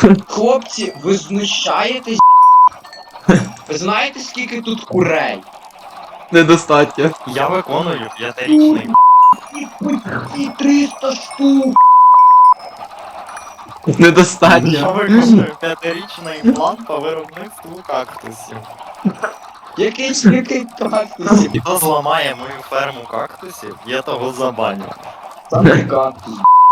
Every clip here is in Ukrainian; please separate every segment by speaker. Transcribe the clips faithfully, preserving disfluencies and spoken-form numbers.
Speaker 1: Хлопці, ви знущаєтесь? Ви знаєте, скільки тут курей?
Speaker 2: Недостатньо.
Speaker 3: Я виконую п'ятирічний.
Speaker 1: І триста штук!
Speaker 3: Я
Speaker 2: Недостатньо.
Speaker 3: виконую п'ятирічний план по виробництву кактусів.
Speaker 1: Який, який кактусів?
Speaker 3: І хто зламає мою ферму кактусів, я того забаню.
Speaker 1: Саме кактус.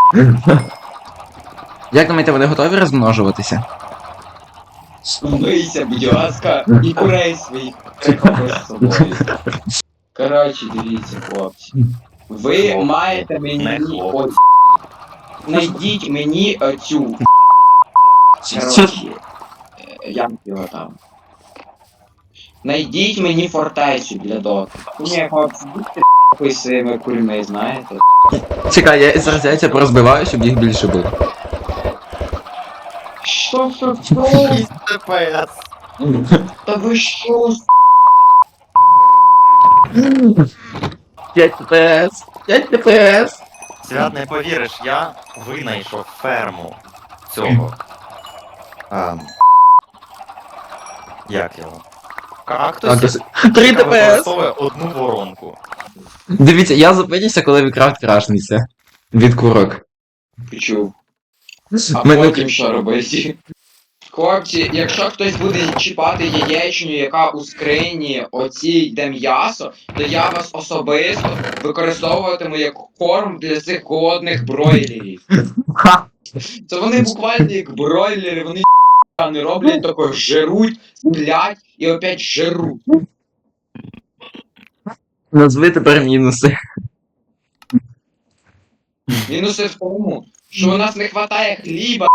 Speaker 2: Як думаєте, вони готові розмножуватися?
Speaker 1: Умийся, будь ласка, і курей своїх прихопиш з собою. Коротше, дивіться, хлопці. Ви
Speaker 3: Хлоп.
Speaker 1: маєте
Speaker 3: Не
Speaker 1: мені...
Speaker 3: хлоп.
Speaker 1: От... Найдіть мені оцю... Коротше, е, як його там? Найдіть мені фортецю для доти. Ні, хлопці, будьте п***й своїми курми, знаєте?
Speaker 2: Чекай, я зараз яйця порозбиваю, щоб їх більше було.
Speaker 1: Що, що, що?
Speaker 3: шість ТПС.
Speaker 1: Та ви що?
Speaker 2: п'ять ТПС! п'ять ТПС!
Speaker 3: Свят, не повіриш, я винайшов ферму цього. А, як його? Кактусів,
Speaker 2: три
Speaker 3: яка
Speaker 2: ТПС!
Speaker 3: використовує одну воронку.
Speaker 2: Дивіться, я зупинюся, коли Вікрафт крашнеться. Від курок.
Speaker 1: Почув. А
Speaker 2: Мене-
Speaker 1: потім що робити? Хлопці, якщо хтось буде чіпати яєчню, яка у скрині оцій де м'ясо, то я вас особисто використовуватиму як корм для цих голодних бройлерів.
Speaker 2: Ха!
Speaker 1: Це вони буквально як бройлери, вони не роблять такого, жируть, сплять і опять жируть.
Speaker 2: Назви тепер мінуси.
Speaker 1: Мінуси в тому, що у нас не вистачає хліба.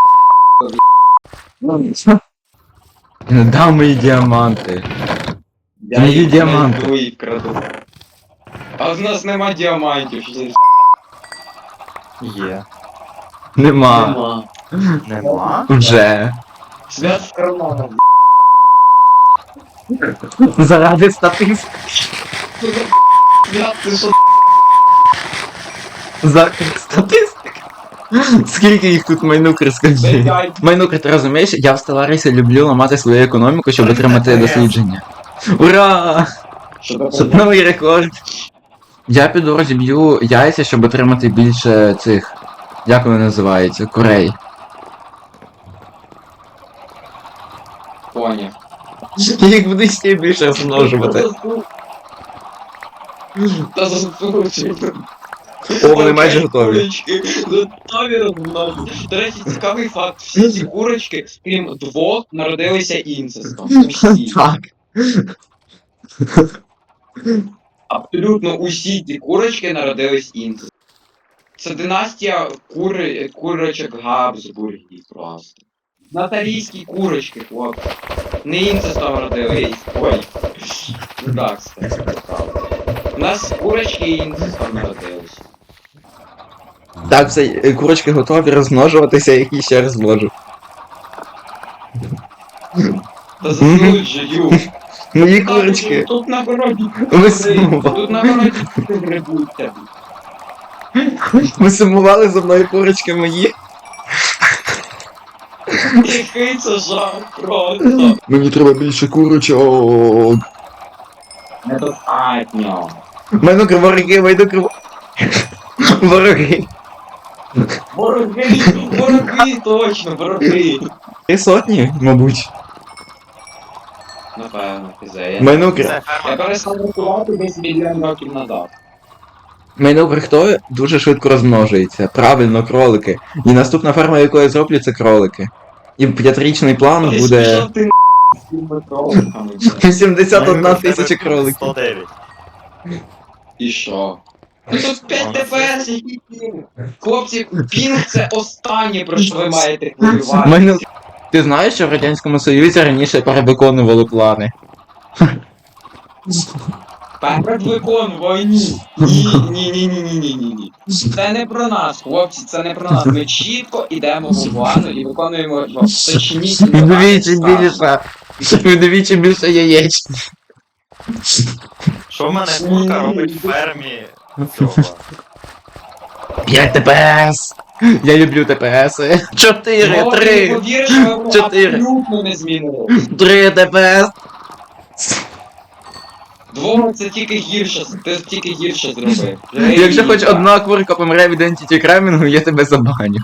Speaker 2: Дам мої діаманти.
Speaker 1: Я
Speaker 2: Мої
Speaker 1: їх
Speaker 2: діаманти.
Speaker 1: знайду і вкраду. А в нас нема діамантів. що це
Speaker 3: Є.
Speaker 2: Нема.
Speaker 1: Нема.
Speaker 3: Нема?
Speaker 2: Вже.
Speaker 1: Свят в карманах.
Speaker 2: Заради статистики.
Speaker 1: Свят, ти що?
Speaker 2: За статистики. Скільки їх тут майнукер, скажи.
Speaker 1: П'ять.
Speaker 2: Майнукер, ти розумієш, я в Стеларісі люблю ламати свою економіку, щоб отримати дослідження. Ура!
Speaker 1: Що таке?
Speaker 2: Щоб новий рекорд. Я піду розіб'ю яйця, щоб отримати більше цих. Як вони називаються? Курей.
Speaker 1: Поняв.
Speaker 2: Їх буде ще більше розмножувати.
Speaker 1: Та заслужив.
Speaker 2: О, вони майже готові.
Speaker 1: Курочки готові розмножити. До речі, цікавий факт. Всі ці курочки, крім двох, народилися інцестом. Усі.
Speaker 2: Так.
Speaker 1: Абсолютно усі ці курочки народились інцестом. Це династія кури... курочок Габсбургів просто. Наталійські курочки, хлопці. Не інцестом родились. Ой. Ну так, кстати, правда. У нас курочки інцестом народились.
Speaker 2: Так, все, е, курочки готові розмножуватися, я їх ще розмножу.
Speaker 1: Та засуджую.
Speaker 2: Мої
Speaker 1: Так,
Speaker 2: курочки.
Speaker 1: Тут на городі.
Speaker 2: Ви сумували.
Speaker 1: Тут на городі грибуть тебе.
Speaker 2: Ви сумували за мною курочки мої.
Speaker 1: Який це жах просто.
Speaker 2: Мені треба більше курочок.
Speaker 1: Недостатньо.
Speaker 2: Майнукер, вороги, майнукер. Вороги.
Speaker 1: Вороги, вороги, точно, вороги.
Speaker 2: Три сотні, мабуть.
Speaker 1: Напевно, фізея.
Speaker 2: Майнукер.
Speaker 3: Це
Speaker 1: Я
Speaker 3: ферма.
Speaker 1: перестав рахувати десь мільйон років назад.
Speaker 2: Майнукер хто дуже швидко розмножується. Правильно, кролики. І наступна ферма, яку я зроблю, це кролики. І п'ятирічний план буде
Speaker 1: Що ти з цими кроликами?
Speaker 2: вісімдесят одна
Speaker 3: Майнукер,
Speaker 2: тисяча
Speaker 3: в тебе
Speaker 2: кроликів.
Speaker 3: сто дев'ять.
Speaker 1: І що? Ну тут п'ять ТПС, який пінг. Хлопці, пінг це останнє, про що ви маєте хвилювати.
Speaker 2: Майну... Ти знаєш, що в Радянському Союзі раніше перевиконували плани?
Speaker 1: Передвиконувай, ні. Ні, ні, ні, ні, ні, ні, ні, ні. Це не про нас, хлопці, це не про нас. Ми чітко йдемо по плану і виконуємо його. Точніше,
Speaker 2: Вдвічі більше. Вдвічі більше яєць.
Speaker 3: Що в мене курка робить в фермі цього?
Speaker 2: п'ять ТПС! Я люблю ТПСи. чотири,
Speaker 1: Ну, ти не
Speaker 2: три,
Speaker 1: повіриш, ми
Speaker 2: чотири.
Speaker 1: абсолютно не змінили.
Speaker 2: три ТПС!
Speaker 1: Двом це тільки гірше, ти тільки гірше зробив.
Speaker 2: Якщо хоч
Speaker 1: Жесть.
Speaker 2: одна курка помре від Entity Cramming, я тебе забаню.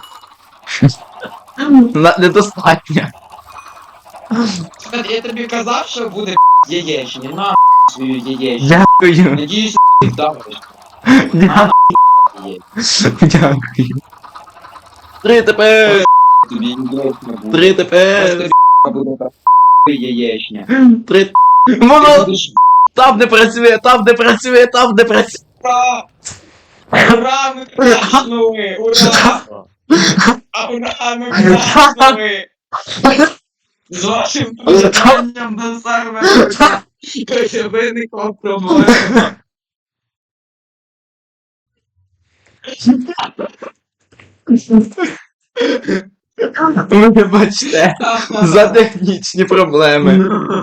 Speaker 2: На- Недостатньо.
Speaker 1: Слухай, я тобі казав, що буде яєчня, на свою яєчню.
Speaker 2: Дякую.
Speaker 1: Надіюсь, ти вдавиш.
Speaker 2: Дякую. Дякую. три ТПС!
Speaker 1: Тобі яєчня буде.
Speaker 2: три ТПС!
Speaker 1: Просто буде так яєчня.
Speaker 2: три
Speaker 1: Ти
Speaker 2: Воно
Speaker 1: будеш
Speaker 2: там не працює, там не працює, там не працює.
Speaker 1: ура! Ура, ми крашнули! Ура! А ура, ми крашнули! З вашим приєднанням до сервера виникла проблема.
Speaker 2: Ви бачите, за технічні проблеми.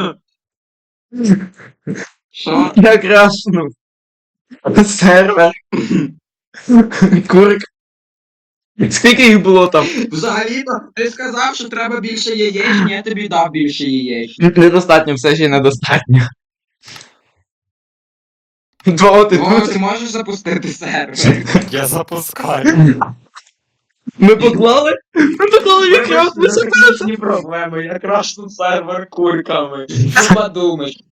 Speaker 1: Що?
Speaker 2: Я крашнув. Сервер. Курк. Скільки їх було там?
Speaker 1: Взагалі-то, ти сказав, що треба більше яєчні, я тобі дав більше яєчні.
Speaker 2: Недостатньо, все ще недостатньо. Два ти
Speaker 1: О, ти
Speaker 2: тут.
Speaker 1: можеш запустити сервер?
Speaker 3: Я запускаю.
Speaker 2: Ми поклали? Ми поклали якраз.
Speaker 1: Технічні проблеми, я крашну сервер курками. Що подумаєш?